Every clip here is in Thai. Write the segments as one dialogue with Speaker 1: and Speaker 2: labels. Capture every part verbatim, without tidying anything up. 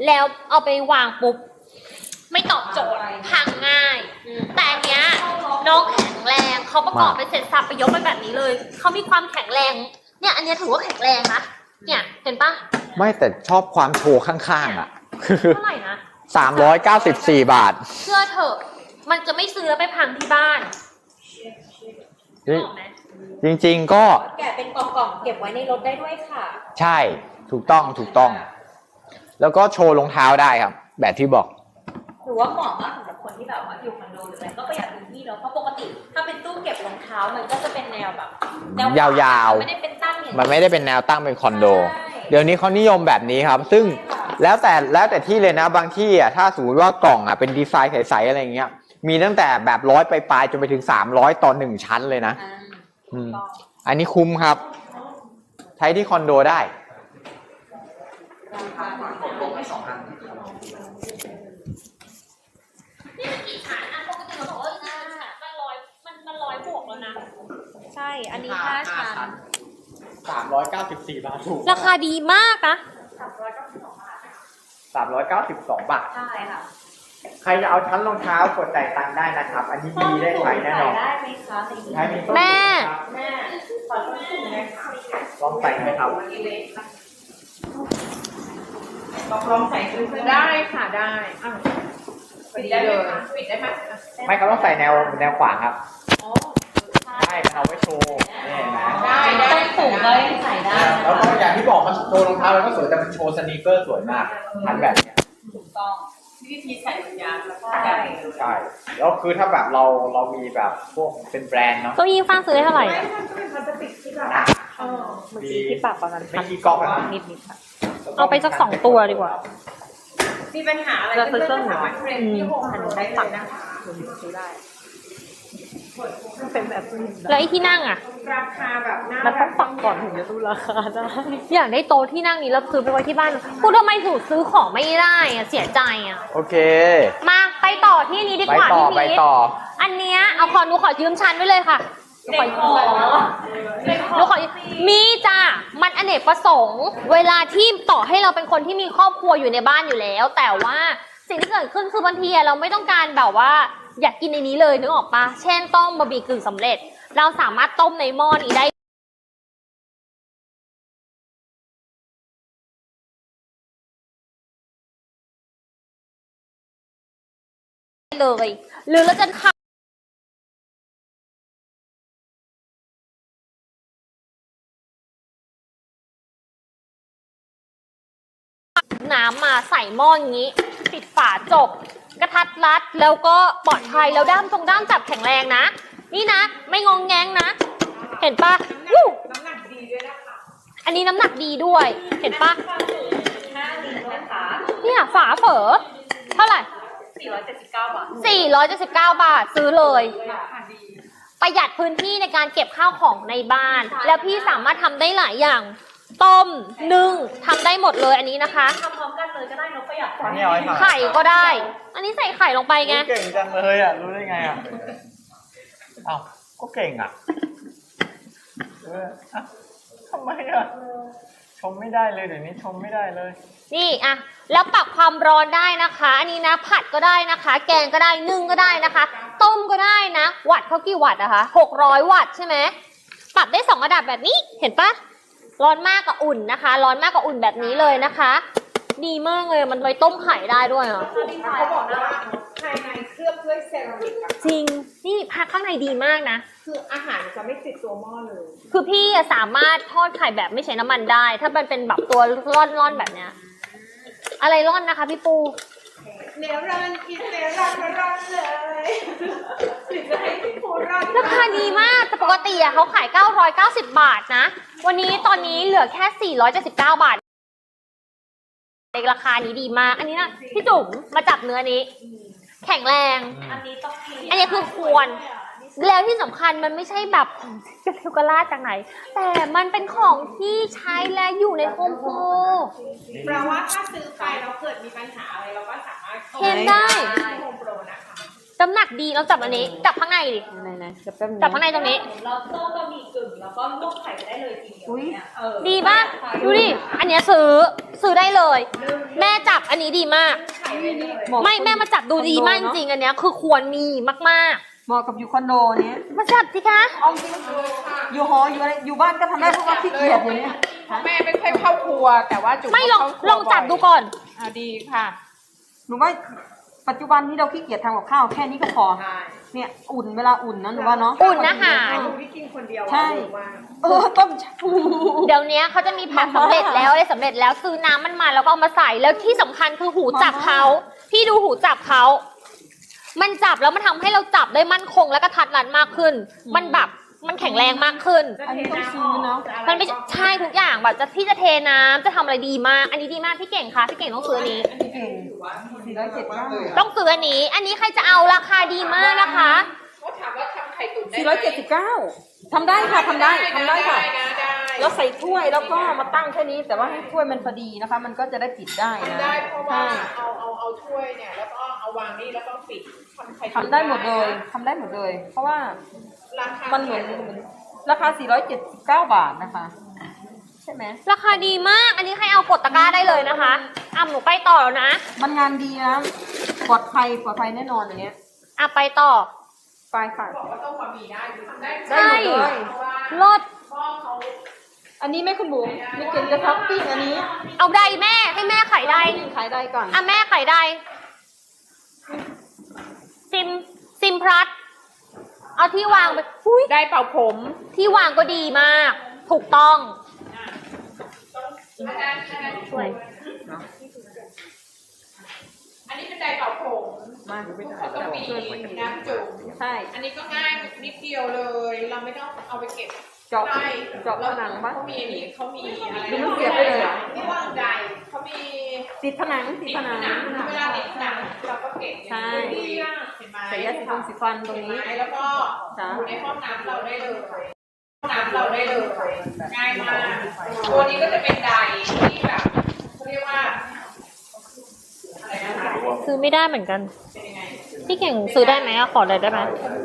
Speaker 1: แล้วเอาไปวางปุ๊บไม่ตอบโจทย์พังง่ายแต่อันเนี้ยน้องแข็งแรงเขาประกอบไปเสร็จสับไปยกไปแบบนี้เลยเขามีความแข็งแรงเนี่ยอันเนี้ยถือว่าแข็งแรงนะเนี่ยเห็นปะ
Speaker 2: ไม่แต่ชอบความโชว์ข้างๆอ่ะ
Speaker 1: เท่าไหร่นะ
Speaker 2: สามร้อยเก้าสิบสี่บาท
Speaker 1: เชื่อเถอะมันจะไม่ซื้อแล้วไปพังที่บ้าน
Speaker 2: จริงๆก็
Speaker 3: แกะเป็นกล่องๆเก็บไว้ในรถได้ด้วยค่ะ
Speaker 2: ใช่ถูกต้องถูกต้องแล้วก็โชว์รองเท้าได้ครับแบบที่บอก
Speaker 3: หรือว่าเหมาะมากสำหรับคนที่แบบว่าอยู่คอนโดหรืออะไรก็ประหยัดพื้นที่เนาะเพราะปกติถ้าเป็นตู้เก็บรองเท้ามันก็จะเป็นแนวแบบแนวย
Speaker 2: าว
Speaker 3: ๆไม่ได้เป็นตั้งอย่าง
Speaker 2: มันไม่ได้เป็นแนวตั้งเป็นคอนโดเดี๋ยวนี้เขานิยมแบบนี้ครับซึ่งแล้วแต่แล้วแต่ที่เลยนะบางที่อ่ะถ้าสมมติว่ากล่องอ่ะเป็นดีไซน์ใสๆอะไรเงี้ยมีตั้งแต่แบบร้อยปลายๆจนไปถึงสามร้อยต่อหนึ่งชั้นเลยนะอืมอันนี้คุ้มครับใช้ที่คอนโดได้
Speaker 1: นี่มันกี่ชั้นอ่ะปกติเราบอกว่าห้าชั้นมันร้อยมันมันร้อยบวกแล้วนะ
Speaker 3: ใช่อันนี้ห้าชั้น
Speaker 2: สามร้อยเก้าสิบสี่บาทถูก
Speaker 1: ราคาดีมากนะ
Speaker 2: สามร้อยเก้าสิบสองบาทสามร้อยเก้าสิบสองบาท
Speaker 3: ใช่ค่ะ
Speaker 2: ใครจะเอาชั้นรองเท้ากดจ่ายตังค์ได้นะครับอันนี้ดีได้ไหมแน่นอน
Speaker 3: ได้ไหมคะ
Speaker 1: แม่
Speaker 3: แม่ขอต้นสูงนะคะ
Speaker 2: ลองใส่ไหมครับ
Speaker 3: ลองใส่ซื้อได้ค่ะได้ปิดได้ไหมคะปิดได้ไหม
Speaker 2: ไม่เขาต้องใส่แนวแนวขวางครับใช่เอาไว้โชว์นี่เห็นไหม
Speaker 3: ได้ต้นสูงก็ยังใส่ได้
Speaker 2: แล้วก็อย่างที่บอกมันโชว์รองเท้าแล้วก็สวยแต่มันโชว์สนีกเกอร์สวยมากทันแบบเนี้ย
Speaker 3: ถูกต้องวิธีใส่ถุงยางแล้วก็
Speaker 2: ใช่ใช่แล้วคือถ้าแบบเราเรามีแบบพวกเป็นแบรนด์เนาะ
Speaker 1: ตัวยิงฟ้าซื้อได้เท่าไหร่
Speaker 3: ไม่มันจะเป็นพลาสติกที่แบบเมื่อกี้ที่ปรับประมาณ
Speaker 2: ไม่กี่ก๊อกนะ
Speaker 3: นิดนิดค่ะ
Speaker 1: เอาไปสักสองตัวดีกว่า
Speaker 3: มีปัญหาอะไรเพื่อนๆสามารถเทรนที่โฮมอันนี้ได้เลยนะคะซื้อได้เป็นแบบ
Speaker 1: แล้วไอ้ที่นั่งอ่ะ
Speaker 3: ราคาแบบ
Speaker 1: มันต้องปักก่อนถึงจะรู้ราคาได้อยากได้โต๊ะที่นั่งนี้แล้วซื้อไปไว้ที่บ้านพูดทำไมสูตรซื้อของไม่ได้อ่ะเสียใจอ่ะ
Speaker 2: โอเค
Speaker 1: มาไปต่อที่นี้ดีกว่า
Speaker 2: พี่พีท
Speaker 1: อันเนี้ยเอาขอหนูขอยืมชั้นไว้เลยค่ะหนูขอยืมหนูขอมีจ้ะมันอเนกประสงค์เวลาที่ต่อให้เราเป็นคนที่มีครอบครัวอยู่ในบ้านอยู่แล้ว แต่ว่าสิ่งที่เกิดขึ้นคือบางทีเราไม่ต้องการแบบว่าอยากกินในนี้เลยนึกออกปะเช่นต้มบะหมี่กึ่งสำเร็จเราสามารถต้มในหม้อนี้ได้เลยหรือเราจะทำน้ำมาใส่หม้ออย่างนี้ปิดฝาจบกระทัดรัดแล้วก็ปลอดภัยแล้วด้ามตรงด้ามจับแข็งแรงนะนี่นะไม่งองแงงนะเห็นปะ
Speaker 3: น้ำหนักดีด้วยนะคะ
Speaker 1: อันนี้น้ำหนักดีด้วยเห็นปะเนี่ยฝาเฝอเท่าไหร่
Speaker 3: สี่ร้อยเจ็ดสิบเก้าบาท
Speaker 1: สี่ร้อยเจ็ดสิบเก้าบาทซื้อเลยประหยัดพื้นที่ในการเก็บข้าวของในบ้านแล้วพี่สามารถทำได้หลายอย่างต้มนึ่งทำได้หมดเลยอันนี้นะคะ
Speaker 3: ทำพร้อมกันเลยก็ได้เนาะประหยัด
Speaker 1: ไข่ก็ได้อันนี้ใส่ไข่ลงไปไง
Speaker 2: เก่งจังเลยอ่ะรู้ได้ไงอ่ะอ้าวก็เก่งอ่ะเออทำไมอ่ะชมไม่ได้เลยเดี๋ยวนี้ชมไม่ได้เลย
Speaker 1: นี่อ่ะแล้วปรับความร้อนได้นะคะอันนี้นะผัดก็ได้นะคะแกงก็ได้นึ่งก็ได้นะคะต้มก็ได้นะวัตต์เขากี่วัตต์นะคะหกร้อยวัตต์ใช่ไหมปรับได้สองระดับแบบนี้เห็นปะร้อนมากกับอุ่นนะคะร้อนมากกับอุ่นแบบนี้เลยนะคะดีมากเลยมันไว้ต้มไข่ได้ด้วยอ่ะ
Speaker 3: เขาบอกว่าภายในเคลือบด้วยเซรามิก
Speaker 1: จริงนี่พักข้างในดีมากนะ
Speaker 3: คืออาหารจะไม่ติดตัวหม้อเลย
Speaker 1: คือพี่สามารถทอดไข่แบบไม่ใช้น้ำมันได้ถ้ามันเป็นแบบตัวร่อนๆแบบเนี้ยอะไรร่อนนะคะพี่ปู
Speaker 3: เนื้อร่อนกินเนื้อร่อนร่อนเลยถึงจะให้พี่ปูร่อน
Speaker 1: ราคาดีมากแต่ปกติอะเขาขายเก้าร้อยเก้าสิบบาทนะวันนี้ตอนนี้เหลือแค่สี่ร้อยเจ็ดสิบเก้าบาทในราคานี้ดีมากอันนี้นะพี่จุ๋มมาจับเนื้อนี้แข็งแรง
Speaker 3: อันนี้ต้อง
Speaker 1: อันนี้คือควรแล้วที่สำคัญมันไม่ใช่แบบของเทลกราจากไหนแต่มันเป็นของที่ใช้และอยู่ในโฮมโปร
Speaker 3: แปลว่าถ้าซื้อไปแล้วเกิดมีปัญหาอะไรเราก็สามารถ
Speaker 1: เห็นได้
Speaker 3: โฮมโปรนะคะ
Speaker 1: น้ำหนักดีเราจับอันนี้จับข้างในดิ
Speaker 4: ไหนไหนจับแป๊บนึง
Speaker 1: จับข้างในตรงนี้
Speaker 3: เราต้มบะหมี่กึ่งแล้วก็ลวกไข่ไปได้เลยทีเดียวเนี่ยเออ
Speaker 1: ดีป่ะดูดิอันเนี้ยซื้อซื้อได้เลย แม่จับอันนี้ดีมาก
Speaker 3: ไข่ไปเลย
Speaker 4: เหาะ
Speaker 1: ไม่แม่มาจับดูดีมากจริงๆอันเนี้ยคือควรมีมาก
Speaker 4: เหมาะกับอยู่คอนโดเนี้ย
Speaker 1: ๆ มาจับสิคะ
Speaker 4: เอาจริงอยู่หออยู่อะไรอยู่บ้านก็ทำได้เพราะว่าขี้เกียจอยู่เนี่ย
Speaker 5: แม่ไม่ค่อยเข้าครัว แต่ว่าจุ๋ม
Speaker 1: ไม่ลอง
Speaker 5: เข้าครัว
Speaker 1: ลองจับดูก่อน
Speaker 5: อ่ะดีค่ะ
Speaker 4: หนูว่าปัจจุบันนี้เราขี้เกียจทำกับข้าวแค่นี้ก็พอ
Speaker 5: ใช่
Speaker 4: เนี่ยอุ่นเวลาอุ่นนะหนูว่าเนาะ
Speaker 1: อุ่นอาหาร
Speaker 5: ที่กินคนเดียว
Speaker 4: ใช่ เออต้มชาบู
Speaker 1: เดี๋ยวนี้เขาจะมีแพ็คสำเร็จแล้วอะไรสำเร็จแล้วซื้อน้ำมันมาแล้วก็เอามาใส่แล้วที่สำคัญคือหูจับเขาพี่ดูหูจับเขามันจับแล้วมันทำให้เราจับได้มั่นคงและกระทัดรัดมากขึ้น มันแบบมันแข็งแรงมากขึ้น
Speaker 4: อันนี้ต้องซื้อเนาะ
Speaker 1: มันไม่ใช่ทุกอย่างแบบจะพี่จะเทน้ำจะทำอะไรดีมาก อันนี้ดีมากพี่เก่งคะพี่เก่งต้องซื้ออันนี้
Speaker 4: เก่งสี่ร้อยเจ็ดบ้าง
Speaker 1: ต้องซื้ออันนี้ อันนี้ใครจะเอาราคาดีมากนะคะ
Speaker 5: เขาถามว่าทำไข่ตุ๋นได้
Speaker 4: สี่ร้อยเจ็ดสิบเก้าทำได้ค่ะทำได้ทำได้ค่ะ
Speaker 5: นะได้
Speaker 4: แล้วใส่ถ้วยแล้วก็มาตั้งแค่นี้ แต่ว่าให้ถ้วยมันพอดีนะคะ มันก็จะได้ปิดได้นะ
Speaker 5: ทำได้เพราะว่า
Speaker 4: ใช่
Speaker 5: เอาเอาเอาถ้วยเนี่ยแล้วก็เอาวางนี่แล้วก็ปิดทำไข่ตุ๋น
Speaker 4: ทำได้หมดเลยทำได้หมดเลย เพราะว่า
Speaker 5: ราคา
Speaker 4: มันเหมือนราคาสี่ร้อยเจ็ดสิบเก้าบาทนะคะ ใช่ไหม
Speaker 1: ราคาดีมาก อันนี้ใครเอากดตะกร้าได้เลยนะคะอ่ะหนูไปต่อแล้วนะ
Speaker 4: มันงานดีนะปลอดภัยปลอดภัยแน่นอนอย่างเงี้ย
Speaker 1: อ่ะไปต่อ
Speaker 4: ไปค่ะ
Speaker 5: บอกว่าต้มบะหมี่ได้คือทำได้
Speaker 1: ใช่
Speaker 4: ได้หมดเลย
Speaker 5: เพราะว่า
Speaker 1: ลด
Speaker 5: พ่อเขา
Speaker 4: อันนี้แม่คุณบุ๋มมีเก่งจะทับปิ้งอันนี้
Speaker 1: เอาใดแม่ให้แม่ขายใด
Speaker 4: ขายได้ก่อน
Speaker 1: อ่ะแม่ขายใดซิมซิมพลัสเอาที่วางไปอุ้ย
Speaker 5: ได้เป่าผม
Speaker 1: ที่วางก็ดีมาก ถูกต้อง
Speaker 5: อาจารย์อาจารย์
Speaker 1: ช่วย
Speaker 5: อันนี้เป็นไดร์เป่าผม
Speaker 4: มา
Speaker 5: เขาก็มีน้ำจุ่ม
Speaker 4: ใช่
Speaker 5: อันนี้ก็ง่ายนิดเดียวเลย เราไม่ต้องเอาไปเก็บ
Speaker 4: เจาะ
Speaker 5: ใช่
Speaker 4: เจาะผนังปะ
Speaker 5: เขามีอันนี้เขามีอะไร
Speaker 4: ดูมันเสียบได้เลยเหรอ
Speaker 5: ที่วางไดร์เขามี
Speaker 4: ติดผนังติด
Speaker 5: ติด
Speaker 4: ผ
Speaker 5: ผ
Speaker 4: นัง
Speaker 5: นังเวลาติดผนังเราก็เก็บ
Speaker 4: ใช่
Speaker 5: เห็นไหม
Speaker 4: ใส่ยาสีฟันสีฟันตรงนี้
Speaker 5: เห็นไหมแล้วก็
Speaker 4: จ้ะ
Speaker 5: อยู่ในห้องน้ำเราได้เลยห้องน้ำเราได้เลยง่ายมากตัวนี้ก็จะเป็นไดร์ที่แบบเขาเรียกว่าอะไรนะคะ
Speaker 1: ซื้อไม่ได้เหมือนกัน
Speaker 5: เป็นยังไง
Speaker 1: พี่เก่งซื้อได้ไหมอะขอเลยได้ไหม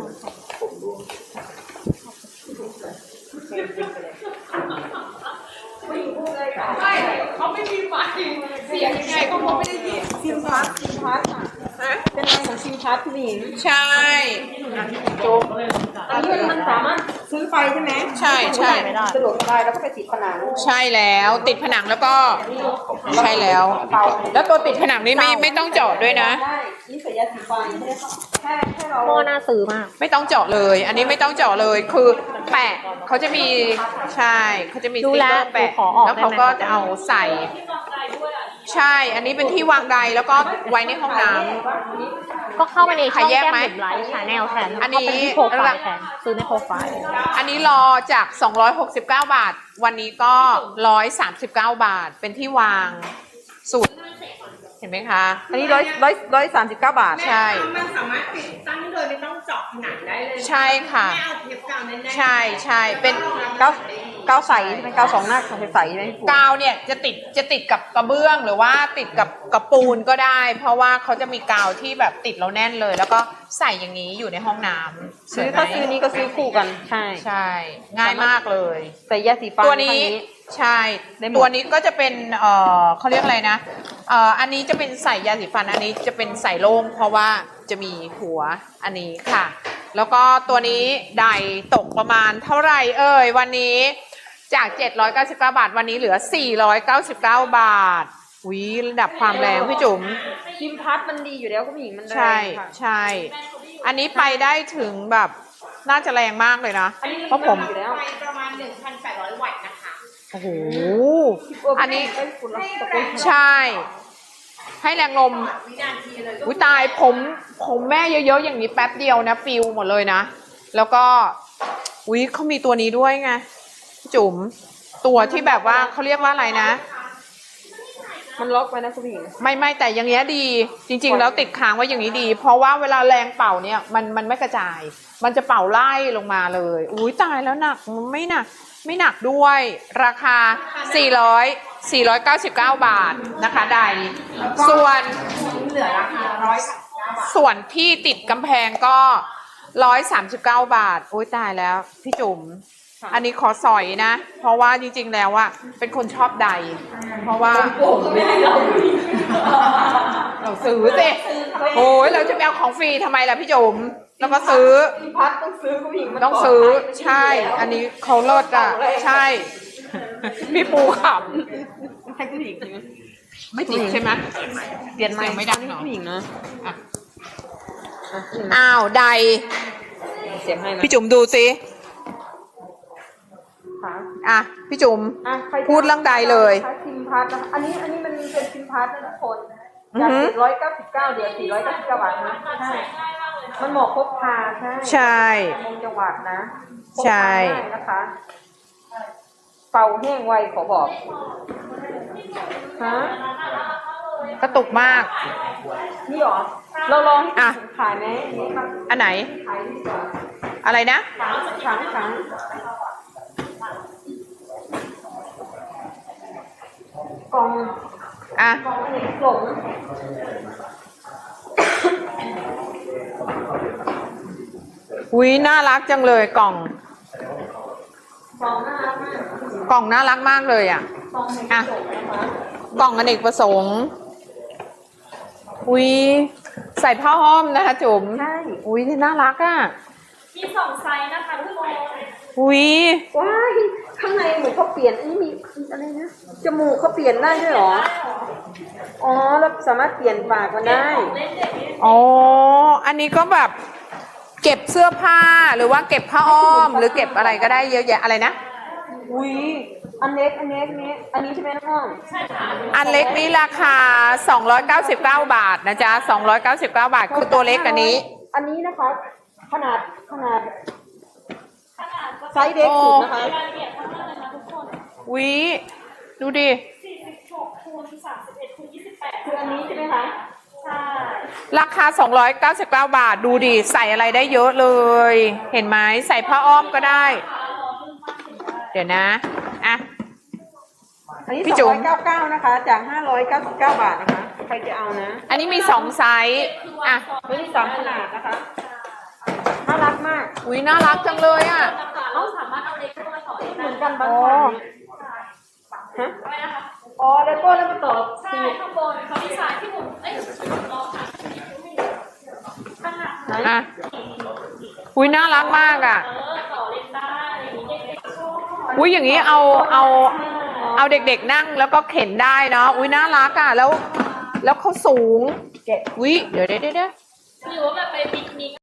Speaker 5: ใช่เขาไม่มีไฟเสียงยังไงก็คงไม่ได้ยิน
Speaker 4: ซิมพาร์ทซิมพาร์ทอ่ะ
Speaker 5: ฮะ
Speaker 4: เป็นอะไรของซิมพาร์ทคุณหญิง
Speaker 5: ใช่จุ๊บ
Speaker 4: อันนี้มันสามารถซื้อไปใช่ไหม
Speaker 5: ใช่ใช่
Speaker 4: สะดวกสบายแล้วก็ไปติดผนัง
Speaker 5: ใช่แล้วติดผนังแล้วก็ใช่แล้ว แล้วตัวติดผนังนี่ไม่ไม่ต้องเจาะด้วยนะ
Speaker 4: ได้นี่ใส่ยาสีฟันแค่แค่เรา
Speaker 1: หม้อน่าซื้อมาก
Speaker 5: ไม่ต้องเจาะเลย อันนี้ไม่ต้องเจาะเลย คือแปะเขาจะมีใช่เขาจะมีส
Speaker 1: ดู
Speaker 5: ติ๊ก
Speaker 1: แล
Speaker 5: เกอร์แปะ
Speaker 1: ดูขอออก
Speaker 5: แล้วเขา
Speaker 1: ได้ไหม
Speaker 5: ก็จะเอาใส่ ใช่ อันนี้เป็นที่วางไดร์แล้วก็ไว้ในห้องน้ำ
Speaker 1: ก็เข้ามาในช่อง
Speaker 5: ใครแย
Speaker 1: แก้
Speaker 5: ก
Speaker 1: ม
Speaker 5: ไหม
Speaker 1: บุ๋มไลฟ์ชาแนลแทน
Speaker 5: อันนี้
Speaker 1: เข้าไปที่โปรไฟล์แทนซื้อในโปรไฟล์
Speaker 5: อันนี้รอจากสองร้อยหกสิบเก้าบาท วันนี้ก็หนึ่งร้อยสามสิบเก้าบาท เป็นที่วางสูตรเห็นไหมคะ
Speaker 4: อันนี้ร้อยร้อยร้อยสามสิบเก้าบาท
Speaker 5: ใช่
Speaker 3: มันสามารถติดตั้งโดยไม่ต้องเจาะผนังได้เลย
Speaker 5: ใช่ค่ะ
Speaker 3: แม่เอาเทปกาวแน่นๆ
Speaker 5: ใช่ใช่เป็น
Speaker 4: เก้าเก้าใสใช่ไหมเก้าสองหน้าของใสๆใช่ไหมคุณ
Speaker 5: กาวเนี่ยจะติดจะติดกับกระเบื้องหรือว่าติดกับกระปูนก็ได้ เพราะว่าเขาจะมีกาวที่แบบติดแล้วแน่นเลย แล้วก็ใส่อย่างนี้อยู่ในห้องน้ำ
Speaker 4: ซื้อ
Speaker 5: สวยไหม
Speaker 4: ถ้าซื้อนี้ก็ซื้อคู่กัน ใช่
Speaker 5: ใช่ ง่ายมากเลย
Speaker 4: ใส่ยาสีฟัน
Speaker 5: ตัวนี้
Speaker 4: ข้าง
Speaker 5: ใช่
Speaker 4: ได้หมด
Speaker 5: ตัวนี้ก็จะเป็นเอ่อเขาเรียกอะไรนะเอ่ออันนี้จะเป็นใส่ยาสีฟันอันนี้จะเป็นใส่โล่งเพราะว่าจะมีหัวอันนี้ค่ะ แล้วก็ตัวนี้ไดตกประมาณเท่าไหร่เอ่ยวันนี้จากเจ็ดร้อยเก้าสิบเก้าบาทวันนี้เหลือสี่ร้อยเก้าสิบเก้าบาทวิระดับความแรงพี่จุ๋ม
Speaker 4: ซิมพัดมันดีอยู่แล้วคุณหญิงมันแรง
Speaker 5: ใช่
Speaker 4: ค่ะ
Speaker 5: ใช่ อันนี้ไปได้ถึงแบบน่าจะแรงมากเลยนะ
Speaker 4: อันนี้
Speaker 5: เพราะผม
Speaker 4: อยู่แล้ว
Speaker 3: ไฟประมาณ หนึ่งพันแปดร้อย วัตต์นะคะ
Speaker 5: โอ้โห อันนี้
Speaker 4: เยคุณละตะกุน
Speaker 5: ใช่ ให้แรงลม
Speaker 3: วินาทีเลย
Speaker 5: อุ้ยตายผมผมแม่เยอะๆอย่างนี้แป๊บเดียวนะฟิวหมดเลยนะ แล้วก็อุ้ยเขามีตัวนี้ด้วยไงจุ๋มตัวที่แบบว่าเขาเรียกว่าอะไรนะ
Speaker 4: มันล็อกไว้นะคุณหญิง
Speaker 5: ไม่ไม่แต่อย่างเงี้ยดี จริง ๆ แล้วติดค้างไว้อย่างนี้ดี เพราะว่าเวลาแรงเป่าเนี่ยมันมันไม่กระจาย มันจะเป่าไล่ลงมาเลย อุ้ยตายแล้วหนักไม่หนักไม่หนักด้วย ราคา สี่ร้อย สี่ร้อยเก้าสิบเก้า บาทนะคะใดส่วน
Speaker 3: เหลือราคาร้อย
Speaker 5: ส่วนที่ติดกำแพงก็ร้อยสามสิบเก้าบาท โอ้ยตายแล้ว พี่จุ๋ม อันนี้ขอสอยนะ เพราะว่าจริงๆแล้วอะเป็นคนชอบใด เพราะว่าเราซื้อสิโอ้ยเราจะไปเอาของฟรีทำไมล่ะพี่จุ๋มแล้วก็ซื้อ
Speaker 4: พี่พัดต้องซื้อผู้หญิงมา
Speaker 5: ต้องซื้อใช่ อันนี้เขาเลิศอ่ะ ใช่ พี่ปูข
Speaker 4: ให้ผู้หญิงใช่ไหม
Speaker 5: ำไม่ติดใช่ไหม
Speaker 4: เปลี่ยนใหม่
Speaker 5: เสียงไม่ดังเนอะ
Speaker 4: ผู้หญิงนะ
Speaker 5: อ่ะอ้าวใด
Speaker 4: เสียงให้นะ
Speaker 5: พี่จุ๋มดูสิ
Speaker 4: ค่ะ
Speaker 5: อ่ะพี่จุ๋ม
Speaker 4: อ่ะใครจะ
Speaker 5: พูดเรื่องใดเลย
Speaker 4: คะซิมพัดนะคะอันนี้อันนี้มันเป็นซิมพัดนะทุกคน
Speaker 5: อือ
Speaker 4: จาก
Speaker 5: หือ
Speaker 4: สี่ร้อยเก้าสิบเก้าเหลือสี่ร้อยเก้าสิบเก้าบาทนะใช่มันเหมาะครบคาใช่
Speaker 5: ใช่
Speaker 4: มงจังหวัดนะ
Speaker 5: ใช่
Speaker 4: พกพาได้นะคะเป่าแห้งไวขอบอกฮะ
Speaker 5: กระตุกมาก
Speaker 4: นี่เหรอเราลองให้
Speaker 5: อ่ะ
Speaker 4: คุณขายไหมนี่ครับ
Speaker 5: อันไหน
Speaker 4: ขายดีกว่า
Speaker 5: อะไรนะ
Speaker 4: ครั้งครั้งกล่อง
Speaker 5: อ่ะ
Speaker 4: กล่องอเนกประสงค์
Speaker 5: อุ้ยน่ารักจังเลยกล่อง
Speaker 4: กล่องน่ารักมาก
Speaker 5: กล่องน่ารักมากเลยอ่ะ
Speaker 4: กล่องอเนกป
Speaker 5: อ่ะ
Speaker 4: ระสงค์นะคะ
Speaker 5: กล่องอเนกประสงค์อุ้ยใส่ผ้าอ้อมนะคะจุ๋ม
Speaker 4: ใช่
Speaker 5: อุ้ยนี่น่ารักอ่ะ
Speaker 3: มีสองไซส์นะคะทุกคน
Speaker 5: อุ้ย
Speaker 4: ว้ายข้างในเหมือนเขาเปลี่ยนอันนี้มีอะไรนะจมูกเขาเปลี่ยนได้ด้วยเหรออ๋อแล้วสามารถเปลี่ยนปากมันได้
Speaker 5: อ๋ออันนี้ก็แบบเก็บเสื้อผ้าหรือว่าเก็บผ้าอ้อม หรือเก็บอะไรก็ได้เยอะแยะอะไรนะ
Speaker 4: อุ้ยอันเล็กอันเล็กนี้อันนี้ใช่ไหมน้องอ้อม
Speaker 5: อันเล็กนี้ราคาสองร้อยเก้าสิบเก้าบาทนะจ๊ะสองร้อยเก้าสิบเก้าบาทคือตัวเล็กอันนี้
Speaker 4: อันนี้นะคะ ขนาดขนาดไซส์เล็กสุดนะคะ
Speaker 3: รายละเอียดทั้งนั้นเลยนะทุกคน
Speaker 5: อุ้ยดูดิ
Speaker 3: สี่สิบหกคูณสามสิบเอ็ดคูณยี่สิบแปด
Speaker 4: คืออันนี้ใช่ไหมคะ
Speaker 3: ใช่
Speaker 5: ราคาสองร้อยเก้าสิบเก้าบาทดูดิใส่อะไรได้เยอะเลย เห็นไหมใส่ผ้าอ้อมก็ได้ เดี๋ยวนะอ่ะ
Speaker 4: อันนี้
Speaker 5: พี่
Speaker 4: ส
Speaker 5: จุ๋
Speaker 4: อง
Speaker 5: ม
Speaker 4: ร้อยเก้าสิบเก้านะคะ จากห้าร้อยเก้าสิบเก้าบาทนะคะ ใครจะเอานะ
Speaker 5: อันนี้มีสองไซส์อ่ะ
Speaker 4: ตัวนี้สามขนาดนะคะ น่ารักมาก
Speaker 5: อุ้ยน่ารักจังเลยอ่ะ
Speaker 3: เราสามารถเอาเล็กเข้ามาต่อได้
Speaker 4: เหมือนกันบาง
Speaker 5: อ๋อ
Speaker 4: คนฮะ
Speaker 3: ไหมนะคะ
Speaker 4: อ๋อแล้วก็แล้วมาต่อ
Speaker 3: ใช่ข้างบนเขาดีไซน์ที่ผมเอ้ยลองค่ะขนาด
Speaker 4: ไหน
Speaker 5: อ่ะอุ้ยน่ารักมากอ่ะ
Speaker 3: เออต่อเล็กได้อย่างนี้เด็กๆชอบ
Speaker 5: อุ้ยอย่างนี้เอาเอาเอาเด็กๆนั่งแล้วก็เข็นได้เนาะอุ้ยน่ารักอ่ะแล้ว แล้วเขาสูง
Speaker 4: แกะ
Speaker 5: อุ้ยเดี๋ยวเดี๋ยวเดี๋ยว
Speaker 3: หรือว่าแบบไปปิกนิก